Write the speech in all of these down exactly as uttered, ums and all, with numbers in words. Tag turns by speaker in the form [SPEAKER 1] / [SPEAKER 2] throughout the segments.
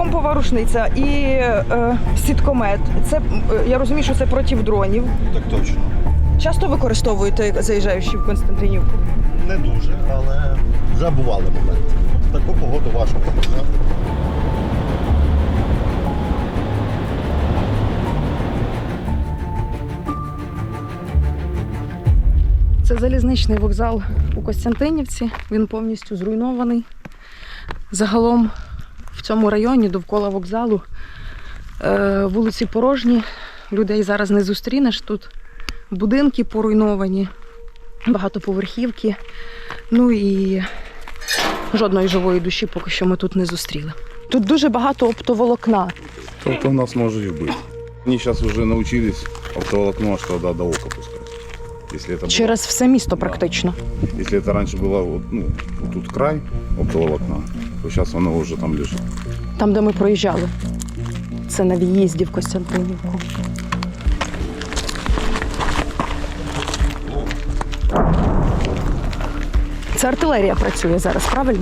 [SPEAKER 1] помпова рушниця і е, сіткомет. Це, е, я розумію, що це проти дронів.
[SPEAKER 2] Так точно.
[SPEAKER 1] Часто використовуєте, заїжджаючи в Константинівку?
[SPEAKER 2] Не дуже, але вже бували моменти. В таку погоду важко показати.
[SPEAKER 1] Це залізничний вокзал у Костянтинівці. Він повністю зруйнований. Загалом в цьому районі довкола вокзалу е, вулиці порожні. Людей зараз не зустрінеш. Тут будинки поруйновані, багатоповерхівки. Ну і жодної живої душі поки що ми тут не зустріли. Тут дуже багато оптоволокна.
[SPEAKER 3] Тобто у нас може і вбити. Вони зараз вже навчились оптоволокно аж туди до ока пускати. Если это
[SPEAKER 1] Через
[SPEAKER 3] было,
[SPEAKER 1] все місто
[SPEAKER 3] да.
[SPEAKER 1] практично.
[SPEAKER 3] Если это раньше было вот, ну, вот тут край оптоволокна, то сейчас оно уже там лежит.
[SPEAKER 1] Там, де ми проїжджали. Це на в'їзді в Костянтинівку. Це артилерія працює зараз, правильно?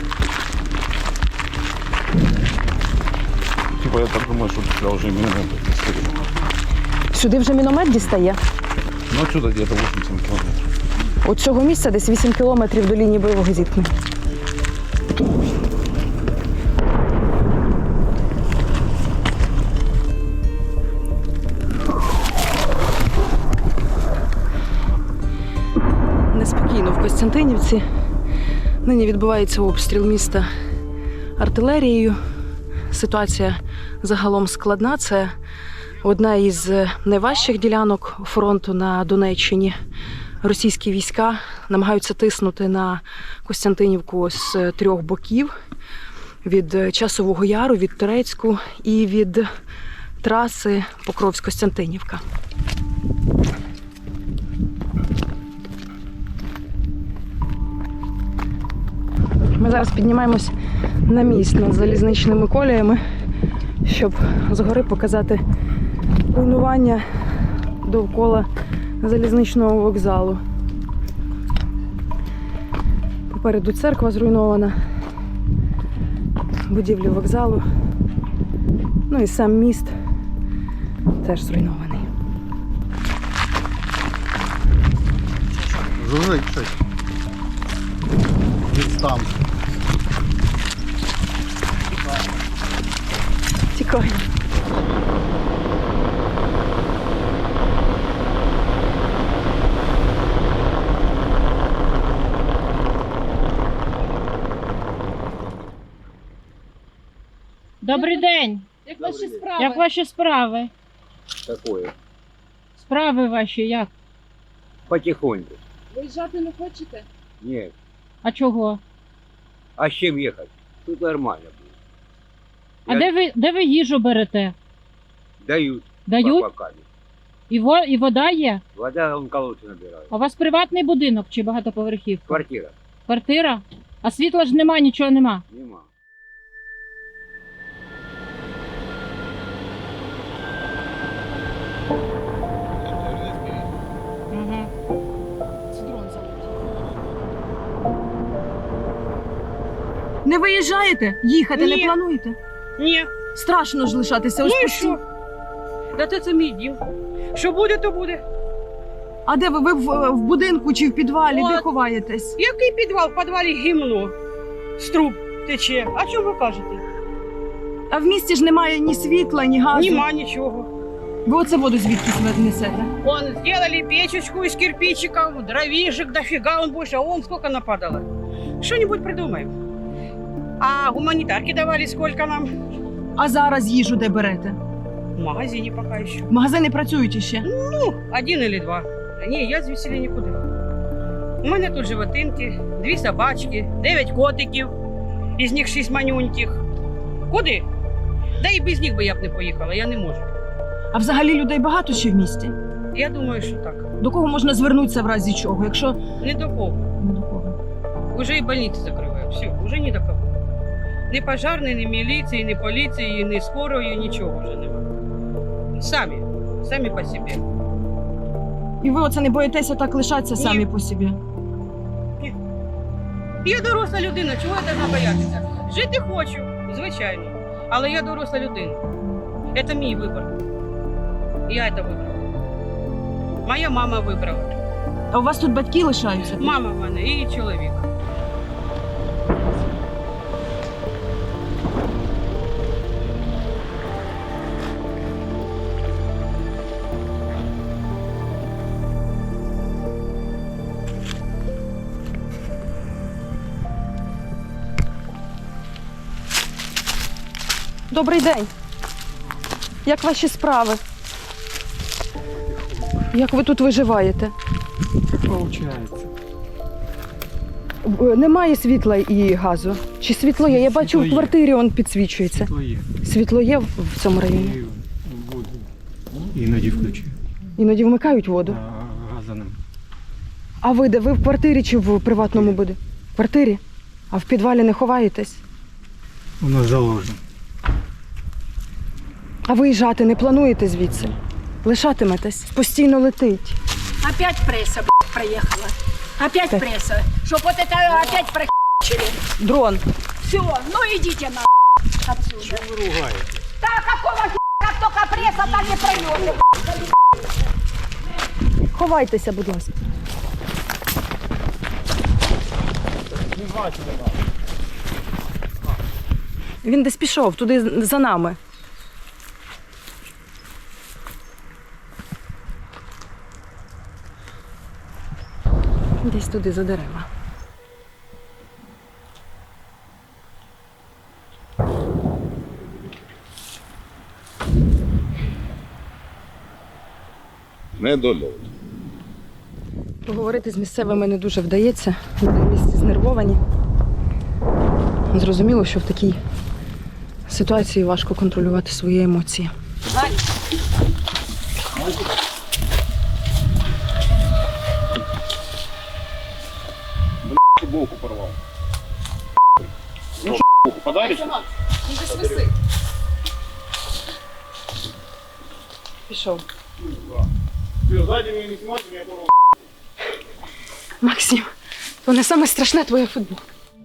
[SPEAKER 3] Типа я так думаю, что сюда уже миномет дістає.
[SPEAKER 1] Сюди вже міномет дістає.
[SPEAKER 3] Ну отсюда где-то вісімдесят кілометрів.
[SPEAKER 1] От цього місця десь вісім кілометрів до лінії бойового зіткнення. Неспокійно в Костянтинівці. Нині відбувається обстріл міста артилерією. Ситуація загалом складна. Це одна із найважчих ділянок фронту на Донеччині. Російські війська намагаються тиснути на Костянтинівку з трьох боків. Від Часового Яру, від Торецьку і від траси Покровськ-Костянтинівка. Ми зараз піднімаємось на міст над залізничними коліями, щоб згори показати руйнування довкола залізничного вокзалу. Попереду церква зруйнована, будівлі вокзалу, ну і сам міст теж зруйнований.
[SPEAKER 2] Жужить щось. Відстан.
[SPEAKER 1] Тікай.
[SPEAKER 4] Добрий день.
[SPEAKER 5] Як ваші справи?
[SPEAKER 4] Як ваші справи?
[SPEAKER 5] Такое.
[SPEAKER 4] Справи ваші як?
[SPEAKER 5] Потихоньку.
[SPEAKER 6] Виїжджати не хочете?
[SPEAKER 5] Нет.
[SPEAKER 4] А чого?
[SPEAKER 5] А с чем ехать? Тут нормально будет.
[SPEAKER 4] А
[SPEAKER 5] Я-
[SPEAKER 4] де ви, де ви їжу берете?
[SPEAKER 5] Дают.
[SPEAKER 4] Дають?
[SPEAKER 5] по бокам.
[SPEAKER 4] І, во, і вода є?
[SPEAKER 5] Вода он колодцы набирают.
[SPEAKER 4] А у вас приватний будинок чи багатоповерхівка?
[SPEAKER 5] Квартира.
[SPEAKER 4] Квартира? А світла ж нема, нічого нема.
[SPEAKER 5] Нема.
[SPEAKER 4] Ага.
[SPEAKER 1] Не виїжджаєте? Їхати
[SPEAKER 7] Ні.
[SPEAKER 1] не плануєте?
[SPEAKER 7] Ні.
[SPEAKER 1] Страшно ж лишатися ось
[SPEAKER 7] Ну і
[SPEAKER 1] постійно.
[SPEAKER 7] що? Да це, це мій дім. Що буде, то буде.
[SPEAKER 1] А де ви? Ви в, в будинку чи в підвалі? Де
[SPEAKER 7] От.
[SPEAKER 1] ховаєтесь?
[SPEAKER 7] Який підвал? В підвалі гімно. З труб тече. А чому ви кажете?
[SPEAKER 1] А в місті ж немає ні світла, ні газу.
[SPEAKER 7] Нема нічого.
[SPEAKER 1] Ви оце воду звідки несете?
[SPEAKER 7] Вон, сделали печечку из кирпичиков, дровишек дофига, он больше, а он сколько нападало. Что-нибудь придумаем. А гуманитарки давали сколько нам?
[SPEAKER 1] А зараз їжу де берете?
[SPEAKER 7] В магазине пока еще.
[SPEAKER 1] Магазини працюють іще.
[SPEAKER 7] Ну, один или два. Ні, я звідси нікуди. У мене тут животинки, дві собачки, дев'ять котиків, із них шість манюньких. Куди? Да і без них би я б не поїхала, я не можу.
[SPEAKER 1] А взагалі людей багато ще в місті?
[SPEAKER 7] Я думаю, що так.
[SPEAKER 1] До кого можна звернутися в разі чого? Якщо
[SPEAKER 7] Не до кого.
[SPEAKER 1] не до кого.
[SPEAKER 7] Уже і больниці закривають. Все, уже ні до кого. Ні пожарної, ні міліції, ні поліції, ні скорої, нічого вже немає. Самі, самі по собі.
[SPEAKER 1] І ви оце не боїтеся так лишатися
[SPEAKER 7] Ні.
[SPEAKER 1] самі по собі?
[SPEAKER 7] Я доросла людина, чого я должна боятися? Жити хочу, звичайно. Але я доросла людина. Це мій вибір. Я це вибрала. Моя мама вибрала.
[SPEAKER 1] А у вас тут батьки лишаються?
[SPEAKER 7] Мама в мене і чоловік.
[SPEAKER 1] Добрий день. Як ваші справи? Як ви тут виживаєте?
[SPEAKER 8] Получається.
[SPEAKER 1] Е, Немає світла і газу. Чи світло є? Я бачу,
[SPEAKER 8] Світло
[SPEAKER 1] в
[SPEAKER 8] є.
[SPEAKER 1] квартирі он підсвічується.
[SPEAKER 8] То є.
[SPEAKER 1] Світло є в цьому районі?
[SPEAKER 8] І воду іноді включаю.
[SPEAKER 1] Іноді вмикають воду.
[SPEAKER 8] А газа нема.
[SPEAKER 1] А ви де? Ви в квартирі чи в приватному будинку? В квартирі? А в підвалі не ховаєтесь?
[SPEAKER 8] Воно заложено.
[SPEAKER 1] А виїжджати не плануєте звідси? Лишатиметесь? Постійно летить.
[SPEAKER 9] Опять пресса, блядь, проехала. Опять
[SPEAKER 1] Так.
[SPEAKER 9] пресса. Чтоб вот это опять прохерчили.
[SPEAKER 1] Дрон.
[SPEAKER 9] Все, ну идите на отсюда.
[SPEAKER 8] Чого ви ругаєте?
[SPEAKER 9] Да какого хера, как только пресса, так и пройдете.
[SPEAKER 1] Ховайтеся, будь ласка. Він десь пішов, туди за нами. Десь туди за дерева.
[SPEAKER 3] Недольот.
[SPEAKER 1] Поговорити з місцевими не дуже вдається. Люди в місті знервовані. Зрозуміло, що в такій ситуації важко контролювати свої емоції.
[SPEAKER 3] Футболку порвал. Ну, подаришь?
[SPEAKER 1] Пішов.
[SPEAKER 3] Ты сзади меня не снимай, меня порвал.
[SPEAKER 1] Максим, то не саме страшне твоя футболка.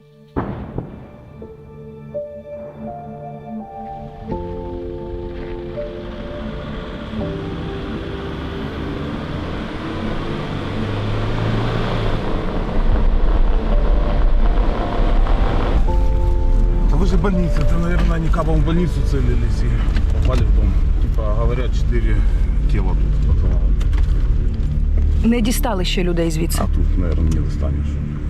[SPEAKER 3] Да вы же больница, это, наверное, они капом в больницу целились и попали в дом. Типа, говорят, четыре тела тут под завалом.
[SPEAKER 1] Не дістали ще людей звідси.
[SPEAKER 3] А тут, наверное, не достанешь.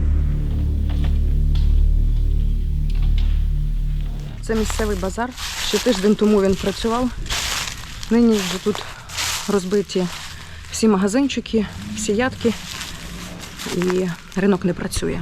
[SPEAKER 1] Це місцевий базар. Ще тиждень тому він працював. Нині вже тут розбиті всі магазинчики, всі ядки. І ринок не працює.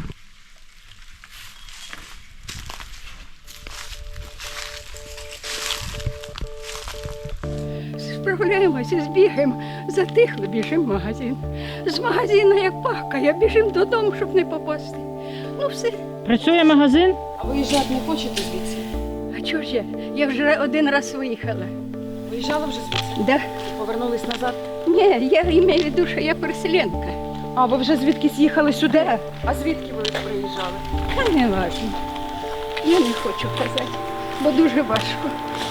[SPEAKER 9] Справляємося, збігаємо, затихли, біжимо в магазин. З магазину як пахкає, біжимо додому, щоб не попасти. Ну все,
[SPEAKER 4] Працює магазин?
[SPEAKER 1] А виїжджати не хочете звідси?
[SPEAKER 9] а чого ж я? Я вже один раз виїхала.
[SPEAKER 1] Виїжджали вже звідси?
[SPEAKER 9] Да?
[SPEAKER 1] Повернулись назад?
[SPEAKER 9] Ні, я маю в виду, що я переселенка.
[SPEAKER 1] А, ви вже звідкись їхали сюди?
[SPEAKER 9] Да.
[SPEAKER 1] А звідки ви приїжджали?
[SPEAKER 9] Та не важно. Я не хочу казати, бо дуже важко.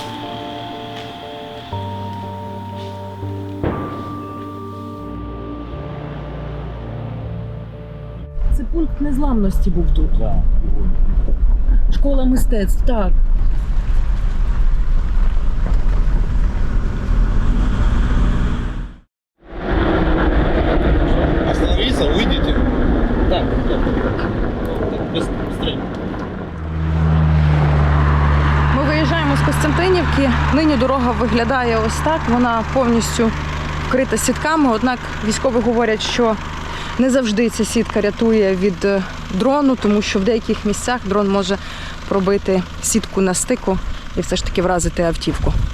[SPEAKER 1] Це пункт незламності був тут. Школа мистецтв, так.
[SPEAKER 2] Остановиться, уйдите. Так, быстрее.
[SPEAKER 1] Ми виїжджаємо з Костянтинівки. Нині дорога виглядає ось так. Вона повністю вкрита сітками. Однак військові говорять, що не завжди ця сітка рятує від дрону, тому що в деяких місцях дрон може пробити сітку на стику і все ж таки вразити автівку.